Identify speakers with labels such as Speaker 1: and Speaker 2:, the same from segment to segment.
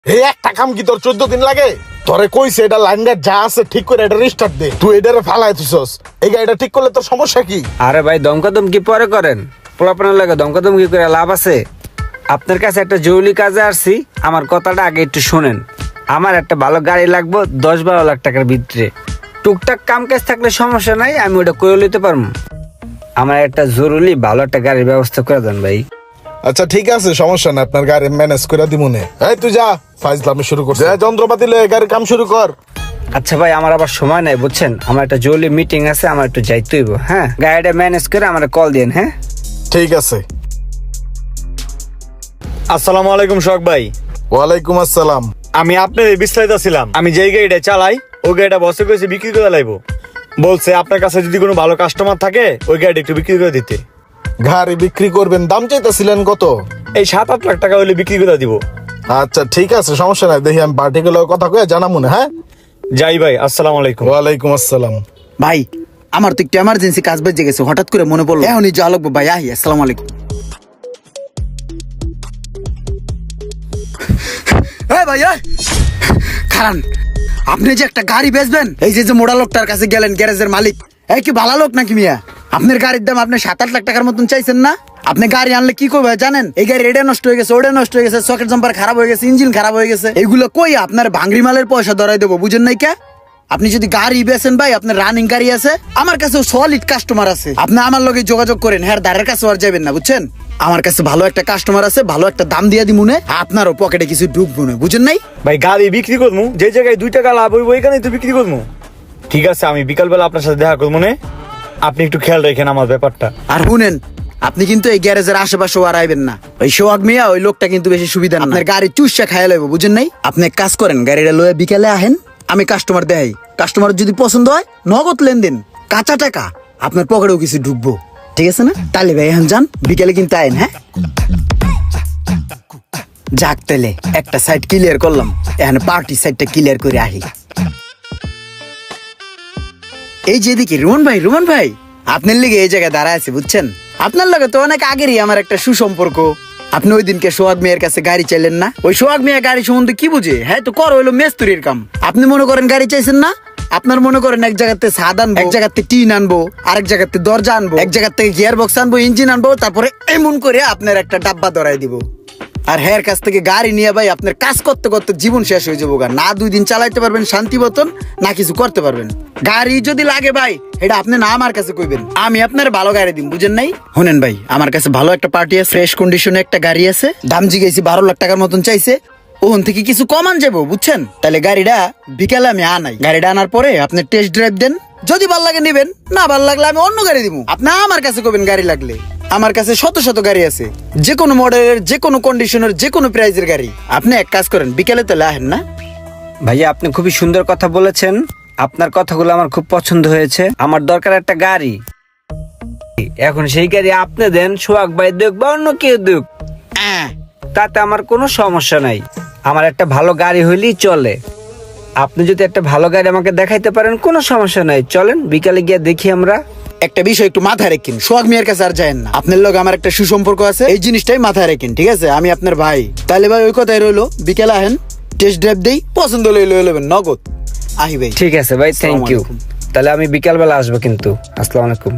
Speaker 1: এই একটা কাম কি তোর 14 দিন লাগে? তোরে কইছে এটা লাইনটা যা আছে ঠিক করে এটা রিস্টার্ট দে, তুই এটারে ফালাই দিছস। এই গাড়িটা ঠিক করলে তোর সমস্যা কি?
Speaker 2: আরে ভাই দমকি পরে করেন, পোলাপানের লাগে দমকি করে লাভ আছে? আপনার কাছে একটা জরুরি কাজে আসছি, আমার কথাটা আগে একটু শোনেন। আমার একটা ভালো গাড়ি লাগবে 10-12 লাখ টাকার ভিতরে। টুকটাক কাম কাজ থাকলে সমস্যা নাই, আমি ওটা করে নিতে পারবো। আমার একটা জরুরি ভালো একটা গাড়ির ব্যবস্থা করে দেন ভাই।
Speaker 1: আচ্ছা ঠিক আছে, সমস্যা না, আপনার গাড়ি ম্যানেজ করে দিমুনে। এই তুই যা, ফাইজলামি শুরু করছিস, যা যন্ত্রপাতি লয়ে গাড়ির কাম শুরু কর।
Speaker 2: আচ্ছা ভাই, আমার আবার সময় নাই বুঝছেন, আমার একটা জরুরি মিটিং আছে, আমার একটু যাইতে হইব। হ্যাঁ, গাড়িটা ম্যানেজ করে আমার কল দিন। হ্যাঁ
Speaker 1: ঠিক আছে।
Speaker 3: আসসালামু আলাইকুম শখ ভাই।
Speaker 1: ওয়ালাইকুম আসসালাম।
Speaker 3: আমি আপনার বিস্তারিত ছিলাম, আমি যেই গাড়িটা চালাই ওই গাড়িটা বসে করেছে বিক্রি করে লাইবো। বলছে আপনার কাছে যদি কোনো ভালো কাস্টমার থাকে ওই গাড়িটা একটু বিক্রি করে দিতে।
Speaker 1: গাড়ি বিক্রি করবেন, দাম চাইতেছিলেন কত?
Speaker 3: এই 7-8 লাখ টাকা হলে বিক্রি করে দিব।
Speaker 1: আচ্ছা ঠিক আছে, সমস্যা নাই, দেখি আমি পার্টিকুলার কথা কয়ে জানাবো না। হ্যাঁ
Speaker 3: যাই ভাই, আসসালামু আলাইকুম।
Speaker 1: ওয়ালাইকুম আসসালাম।
Speaker 4: ভাই আমার তো একটু এমার্জেন্সি কাজ বেজে গেছে, হঠাৎ করে মনে পড়লো এখনই যাওয়া লাগবে ভাই। আহি, আসসালামু আলাইকুম। ভাই খারান, আপনি যে একটা গাড়ি বেচবেন, এই যে মোড়া লোকটার কাছে গেলেন, গ্যারেজের মালিক, এই কি ভালো লোক নাকি মিয়া? আপনার গাড়ির দাম আপনি 7-8 লাখ টাকার মতন চাইছেন না? আপনি গাড়ি আনলে কি করবে জানেন? এই গাড়ি এটা নষ্ট হয়ে গেছে, ওটা নষ্ট হয়ে গেছে, সকেট জাম্পার খারাপ হয়ে গেছে, ইঞ্জিন খারাপ হয়ে গেছে, এগুলো কই আপনার ভাঙড়ি মালের পয়সা ধরাই দেবো, বুঝেন নাই কে? আপনি যদি গাড়ি বেচেন ভাই, আপনার রানিং গাড়ি আছে, আমার কাছে সলিড কাস্টমার আছে, আপনি আমার লগে যোগাযোগ করেন, হ্যাঁ দাঁড়ের কাছে আর যাবেন না, বুঝছেন? আমার কাছে ভালো একটা কাস্টমার আছে, ভালো একটা দাম দিয়ে দিব মনে, আপনারও পকেটে কিছু ঢুকবো না, বুঝেন নাই?
Speaker 3: ভাই গাড়ি বিক্রি করবো, যে জায়গায় 2 টাকা লাভ হইব ওইখানেই তো বিক্রি করবো। ঠিক আছে, আমি বিকালবেলা আপনার সাথে দেখা করবো মনে, আপনি একটু খেয়াল রাখেন আমার ব্যাপারটা।
Speaker 4: আর শুনেন, আপনি কিন্তু এই গ্যারেজের আশেপাশে আর আইবেন না, ওই সোহাগ মিয়া ওই লোকটা কিন্তু বেশি সুবিধা না, আপনার গাড়ি চুষা খাইয়া লইব, বুঝেন নাই? আপনি এক কাজ করেন, গাড়িটা লয়ে বিকালে আহেন, আমি কাস্টমার দেখাই, কাস্টমার যদি পছন্দ হয় নগদ লেনদেন, কাঁচা টাকা, আপনার পকেটেও কিছু ঢুকবো, ঠিক আছে না? তাহলে ভাই এখন যান, বিকালে কিন্তু আইন। হ্যাঁ যাক, তাহলে একটা সাইড ক্লিয়ার করলাম, এখন পার্টি সাইডটা ক্লিয়ার করে আহি। এই যেদিকে রুমন ভাই আপনার লিগে এই জায়গায় দাঁড়ায় আছে, বুঝছেন? আপনার লগে তো অনেক আগেরই আমার একটা সুসম্পর্ক। আপনি ওই দিনকে সোহাগ মিয়ার কাছে গাড়ি চাইলেন না? ওই সোহাগ মিয়া গাড়ি সম্বন্ধে কি বুঝে? হ্যাঁ তো কর হইলো মেস্তুরির কাম। আপনি মনে করেন গাড়ি চাইছেন না, আপনার মনে করেন এক জায়গাতে ছাদ আনবো, এক জায়গাতে টিন আনবো, আরেক জায়গাতে দরজা আনবো, এক জায়গা থেকে গিয়ার বক্স আনবো, ইঞ্জিন আনবো, তারপরে এমন করে আপনার একটা ডাব্বা ধরাই দিব। আর হের কাছ থেকে গাড়ি নিয়ে ভাই আপনার কাজ করতে করতে জীবন শেষ হয়ে যাবো। না 2 দিন চালাইতে পারবেন শান্তি মতন, না কিছু করতে পারবেন। গাড়ি যদি লাগে ভাই, এটা আপনি না আমার কাছে কইবেন, আমি আপনার ভালো গাড়ি দিম, বুঝেন নাই? শুনেন ভাই, আমার কাছে ভালো একটা পার্টি আছে, ফ্রেশ কন্ডিশনে একটা গাড়ি আছে, দাম জিগাইছি 12 লাখ টাকার মতন চাইছে, ওখান থেকে কিছু কমান যাবো, বুঝছেন? তাহলে গাড়িটা বিকালে আমি আনাই, গাড়িটা আনার পরে আপনি টেস্ট ড্রাইভ দেন, যদি ভাল লাগে নিবেন, না ভাল লাগলে আমি অন্য গাড়ি দিব। আপনি আমার কাছে কইবেন গাড়ি লাগলে, আমার কাছে শত গাড়ি আছে, যে কোনো মডেলের, যে কোনো কন্ডিশনের, যে কোনো প্রাইজের গাড়ি। আপনি এক কাজ করেন, বিকেলে তাহলে আহেন না?
Speaker 2: ভাইয়া, আপনি খুবই সুন্দর কথা বলেছেন, আপনার কথাগুলো আমার খুব পছন্দ হয়েছে। আমার দরকার একটা গাড়ি, এখন সেই গাড়ি আপনি দেন, সোহাগ ভাই দেখ বা অন্য কেউ দেখ, তাতে আমার কোনো সমস্যা নাই। আমার একটা ভালো গাড়ি হইলেই চলে। আপনি যদি একটা ভালো গাড়ি আমাকে দেখাইতে পারেন, কোনো সমস্যা নাই, চলেন বিকালে গিয়ে দেখি আমরা।
Speaker 4: একটা বিষয় একটু মাথায় রাখেন, সোহাগ মিয়ার কাছে আর যায়েন না, আপনার লোক আমার একটা সুসম্পর্ক আছে, এই জিনিসটাই মাথায় রাখেন, ঠিক আছে? আমি আপনার ভাই, তাহলে ভাই ওই কথাই রইলো, বিকেলে আহেন, টেস্ট ড্রাইভ দেই, পছন্দ হলে লয়ে নেবেন নগদ। আহি ভাই,
Speaker 2: ঠিক আছে ভাই, থ্যাংক ইউ।
Speaker 4: আলাইকুম।
Speaker 2: তাহলে আমি বিকালবেলা আসবো কিন্তু। আসসালামু আলাইকুম।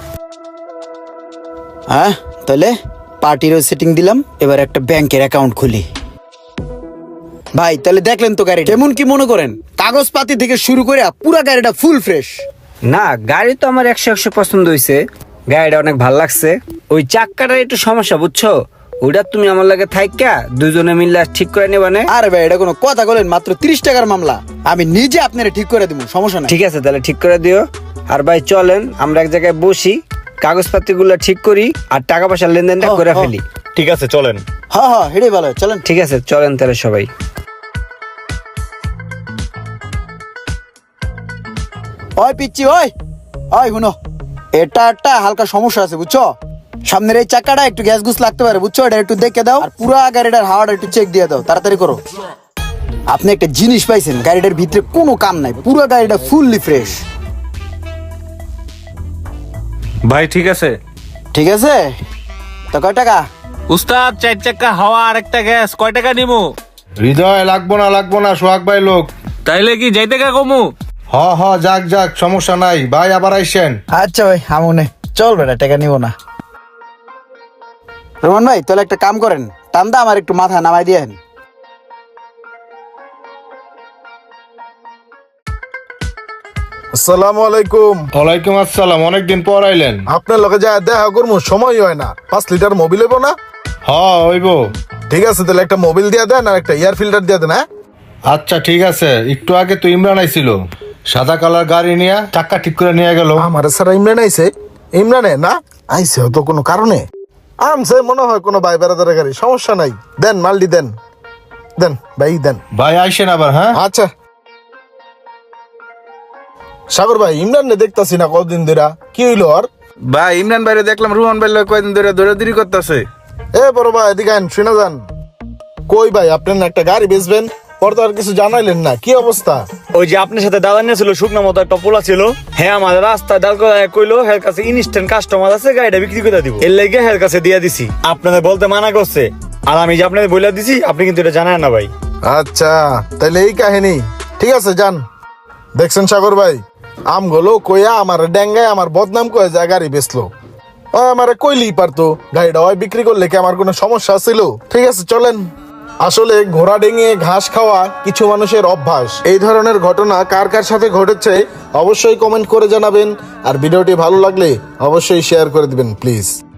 Speaker 4: হ্যাঁ, তাহলে পার্টিরও সেটিং দিলাম, এবার একটা ব্যাংকের অ্যাকাউন্ট খুলি। ভাই তাহলে দেখলেন তো গাড়ি কেমন, কি মনে করেন? কাগজপাতি থেকে শুরু করে পুরা গাড়িটা ফুল ফ্রেশ।
Speaker 2: না, গাড়ি তো আমার 100 পছন্দ হয়েছে, গাড়িটা অনেক ভালো লাগছে। ওই চাক্কাটার একটু সমস্যা, বুঝছো? ওইটা তুমি আমার লাগে থাইকা দুজনে মিলে ঠিক করে নেবা না?
Speaker 4: আরে ভাই, এটা কোনো কথা বলেন? মাত্র 30 টাকার মামলা, আমি নিজে আপনারা ঠিক করে দিব, সমস্যা নাই।
Speaker 2: ঠিক আছে, তাহলে ঠিক করে দিও। আর ভাই চলেন আমরা এক জায়গায় বসি, কাগজপাতি গুলো ঠিক করি, আর টাকা পয়সার লেনদেনটা করে ফেলি।
Speaker 3: ঠিক আছে চলেন।
Speaker 4: হ্যাঁ হেডে ভালো, চলেন।
Speaker 2: ঠিক আছে, চলেন তাহলে সবাই।
Speaker 4: ওই পিচ্ছি, ওই শুনো, এটা একটা হালকা সমস্যা আছে, বুঝছো? সামনের এই চাকাটা একটু গ্যাস গুস লাগতে পারে, বুঝছো? এটা একটু দেখে দাও, আর পুরা গাড়িটার হাওয়াটা একটু চেক দিয়ে দাও, তাড়াতাড়ি করো। আপনি একটা জিনিস পাইছেন, গাড়িটার ভিতরে কোনো কাম নাই, পুরো গাড়িটা ফুললি ফ্রেশ।
Speaker 5: ভাই ঠিক আছে।
Speaker 4: ঠিক আছে, তো কয় টাকা?
Speaker 5: উস্তাদ 4 চাকা হাওয়া আর একটা গ্যাস কয় টাকা নিমু?
Speaker 6: হৃদয় লাগবো না সোহাগ ভাই লোক।
Speaker 5: তাইলে কি যাইতে কা কমু?
Speaker 6: হ যাক সমস্যা নাই ভাই, আবার আইসেন।
Speaker 4: আচ্ছা ভাই আমনে চল বেটা, টাকা নিব না। রোমান ভাই তাহলে একটা কাম করেন, টান্দা আমার একটু মাথা নামাই দিয়েন।
Speaker 1: আসসালামু আলাইকুম।
Speaker 6: ওয়ালাইকুম আসসালাম, অনেকদিন পর আইলেন।
Speaker 1: আপনার লগে যা দেখা করবো সময় হয় না। 5 লিটার মোবিল হইব না?
Speaker 6: হইব।
Speaker 1: ঠিক আছে, তাহলে একটা মোবিল দিয়ে দেন আর একটা এয়ার ফিল্টার দিয়ে দেন। হ্যাঁ
Speaker 6: আচ্ছা ঠিক আছে। একটু আগে তো ইমরান আইছিল, সাদা কালার গাড়ি নিয়ে চাক্কা ঠিক করে নিয়ে গেল।
Speaker 1: আমার স্যার ইমরান আইছে? ইমরানে না আইছে হয়তো কোনো কারণে। আমছে মনে হয় কোনো ভাই বেড়াদারের গাড়ি, সমস্যা নাই। দেন মালটি দেন দেন ভাই দেন।
Speaker 6: ভাই আইসেন আবার। হ্যাঁ
Speaker 1: আচ্ছা সাগর ভাই, ইমরান নে দেখতাছি না কতদিন ধরে, কি হইলো? আর
Speaker 7: ভাই ইমরান ভাইরে দেখলাম রোহন ভাই লগে কয়দিন ধরে দৌড়াদৌড়ি করতেছে।
Speaker 1: এ বড় ভাই এদিকে আইন, শুনে যান। কই ভাই আপনি না একটা গাড়ি বেচবেন, পর তো আর কিছু জানাইলেন না, কি অবস্থা?
Speaker 3: ওই যে আপনার সাথে দাদা নিয়েছিল শুকনা মতো একটা পোলা ছিল, হ্যাঁ আমাদের রাস্তায় দাঁড় করে কইলো হের কাছে ইনস্ট্যান্ট কাস্টমার আছে, গাড়িটা বিক্রি করে দিব। এর লেগে হের কাছে দিয়ে দিছি। আপনাদের বলতে মানা করছে, আর আমি যে আপনাদের বলে দিছি, আপনি কিন্তু এটা জানেন না ভাই।
Speaker 1: আচ্ছা তাহলে এই কাহিনী, ঠিক আছে যান। দেখছেন সাগর ভাই, আমগুলো কইয়া আমার ডেঙ্গায় আমার বদনাম কয়ে যায় গাড়ি বেচলো। ও আমারে কইলেই পারতো, গাড়িটা ওই বিক্রি করলে কি আমার কোনো সমস্যা ছিল? ঠিক আছে চলেন। আসলে ঘোড়া ডেঙিয়ে ঘাস খাওয়া কিছু মানুষের অভ্যাস। এই ধরনের ঘটনা কার কার সাথে ঘটেছে অবশ্যই কমেন্ট করে জানাবেন, আর ভিডিওটি ভালো লাগলে অবশ্যই শেয়ার করে দিবেন প্লিজ।